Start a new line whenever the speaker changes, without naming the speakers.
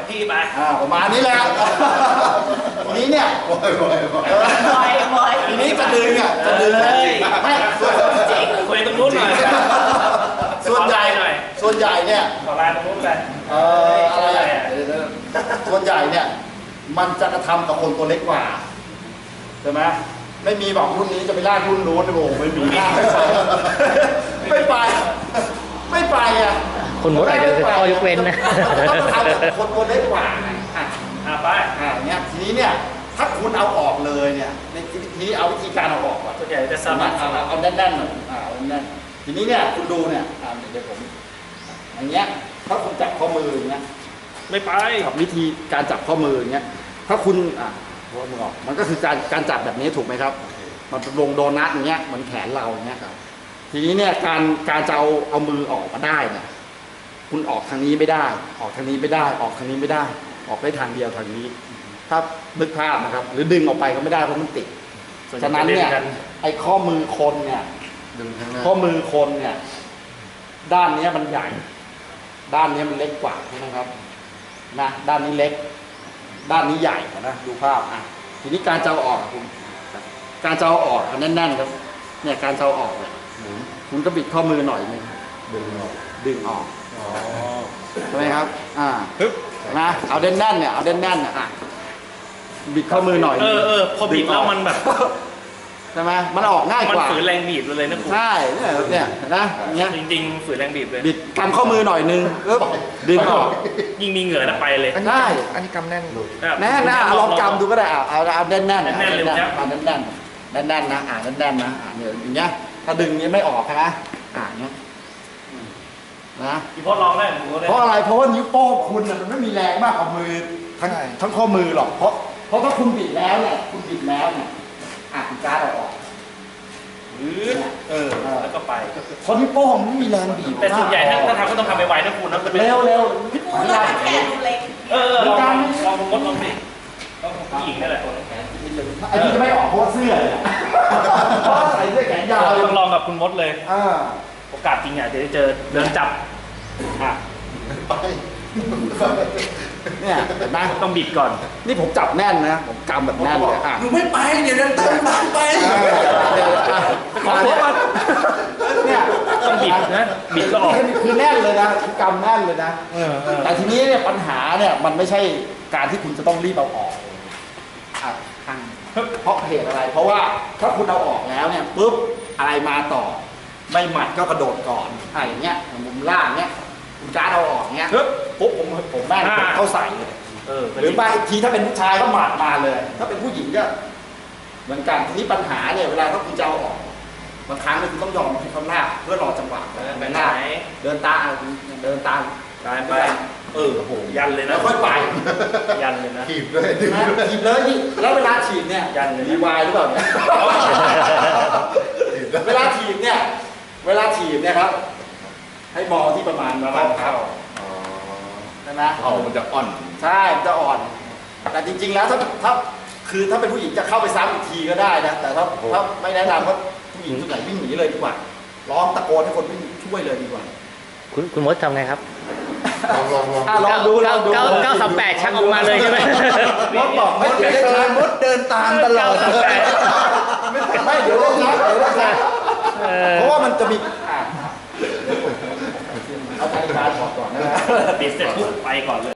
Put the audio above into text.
พี่ไป
ประมาณนี้แหละทีนี้เนี่ยทีนี้จะดึงจะดึงไม่
คุยตรงนู้นหน่อย
ส่วนใหญ่เนี่ย
ขอไลน์ตรงนู้นไป
อะไรส่วนใหญ่เนี่ยมันจะกระทำกับคนตัวเล็กกว่าใช่ไหมไม่มีบอกรุ่นนี้จะไปล่ารุ่นนู้นโอ้ไม่มีไม่ไปอ่ะ
คุณมดอาจจะเป็นข้อยกเว้นนะ
ต้องทำกับคนตัวเล็กกว่า
ไป
เนี่ยทีนี้เนี่ยถ้าคุณเอาออกเลยเนี่ยในทีนี้เอาวิธีการเอาออกก่อน
ส่วนใหญ่จะสามารถ
เอาแน่นๆหน่อยแน่นทีนี้เนี่ยคุณดูเนี่ยเดี๋ยวผมอย่างเงี้ยถ้าคุณจับข้อมืออย่างเงี้ย
ไม่ไป
กับวิธีการจับข้อมืออย่างเงี้ยถ้าคุณหัวมือออกมันก็คือการจับแบบนี้ถูกไหมครับมันเป็นวงโดนัทอย่างเงี้ยเหมือนแขนเราอย่างเงี้ยครับทีนี้เนี่ยการจะเอามือออกมาได้เนี่ยคุณออกทางนี้ไม่ได้ออกทางนี้ไม่ได้ออกทางนี้ไม่ได้ออกได้ทางเดียวทางนี้ถ้านึกภาพนะครับหรือดึงออกไปก็ไม่ได้เพราะมันติดฉะนั้นเนี่ยไอ้ข้อมือคนเนี่ยข้อมือคนเนี่ยด้านนี้มันใหญ่ด้านนี้มันเล็กกว่าใช่ไหมครับนะด้านนี้เล็กด้านนี้ใหญ่นะดูภาพทีนี้การจะเอาออกคุณการจะเอาออกแน่นๆครับเนี่ยการจะเอาออกเนี่ยคุณก็บิดข้อมือหน่อยนึงดึงออกใช่ไหมครับนะเอาแน่นๆเนี่ยเอาแน่นๆเนี่ยบิดข้อมือหน่อย
พอบิดแล้วมันแบบ
ใช่ไหมมันออกง่ายกว่า
มันฝืนแรงบีบเลยนะคุณ
ใช่เนี่ยนะเนี่ย
จริงๆฝืนแรงบีบเลย
บิดกำข้อมือหน่อยนึงดึงออก
ยิ่งมีเหงื่อไปเลย
ใช่
อันนี้กำแน่นดู
แน่นะลองกำดูก็ได้เอาแน่นๆแน่นเลยเอาแน่นๆแน่นๆนะแน่นๆนะเนี่ยอย่างเงี้ยถ้าดึงนี้ไม่ออกนะเงี้ยนะ
พี่พอลองได้
เพราะอะไรเพราะว่านิ้วโป้งคุณมันไม่มีแรงมากกว่ามือทั้งข้อมือหรอกเพราะถ้าคุณบิดแล้วเนี่ยคุณบิดแล้วเนี่ยคุณการ์ดออก
แล้วก็ไป
คนนิ้วโป้งมันไม่มีแรงบีบ
แต่ส่วนใหญ่ถ้าทำก็ต้องทำไวๆนะคุณนะ
เร็ว
ลองมดลองดิต้องผู้หญิงนั่นแหละ
ไอ้ที่จะไม่ออกเพราะเสื้อเพราะใส่เสื้อแขนยาว
ลองกับคุณมดเลยโอกาสจริงอ่ะจะได้เจอเดินจับ
เนี่ยนะ
ต้องบิดก่อน
นี่ผมจับแน่นนะผมกำแบบแน่นเลย
หนูไม่ไปเดี๋ยวนั้นตามไป
ขอโทษเนี่ยต้องบิดนะบิดก็ออก
คือแน่นเลยนะกำแน่นเลยนะแต่ทีนี้เนี่ยปัญหาเนี่ยมันไม่ใช่การที่คุณจะต้องรีบเอาออกเพราะเหตุอะไรเพราะว่าถ้าคุณเอาออกแล้วเนี่ยปุ๊บอะไรมาต่อไม่หมัดก็กระโดดก่อนอย่างเงี้ยมุมล่างเงี้ยคุณการ์ดเอาออกเงี้ยปุ๊บผมแม่งเข้าใส่เลยหรือบางทีถ้าเป็นผู้ชายก็หมัดมาเลยถ้าเป็นผู้หญิงก็เหมือนกันทีนี้ปัญหาเนี่ยเวลาถ้าคุณจะเอาออกบางครั้งเนี่ยคุณต้องยอมให้เขาลากเพื่อรอจังหวะ
ไปลาก
เดินตาม
ไป
โอ้โห
ยันเลยนะ
ค่อยไป
ยันเลยนะ
ถีบเลย
แล้วเวลาถีบเนี่ย
ยันเลย
มีวายหรือเปล่าเวลาถีบเนี่ยครับให้มองที่ประมาณเข้าใช่ไหม
มันจะอ่อน
ใช่มันจะอ่อนแต่จริงๆแล้วถ้าเป็นผู้หญิงจะเข้าไปซ้ำอีกทีก็ได้นะแต่ถ้าไม่แนะนำว่าผู้หญิงส่วนใหญ่วิ่งหนีเลยดีกว่าร้องตะโกนให้คนวิ่งช่วยเลยดีกว่า
คุณมดทำไงครับ
ลองดู
938ชักออกมาเลยใช่ไหม
มดบอกไม่
เดินตามตลอด
ไม่เดี๋ยวเพราะว่ามันจะมีเอาใจการถอดก่อนนะ
ปิดเสร็จปุ๊บไปก่อนเลย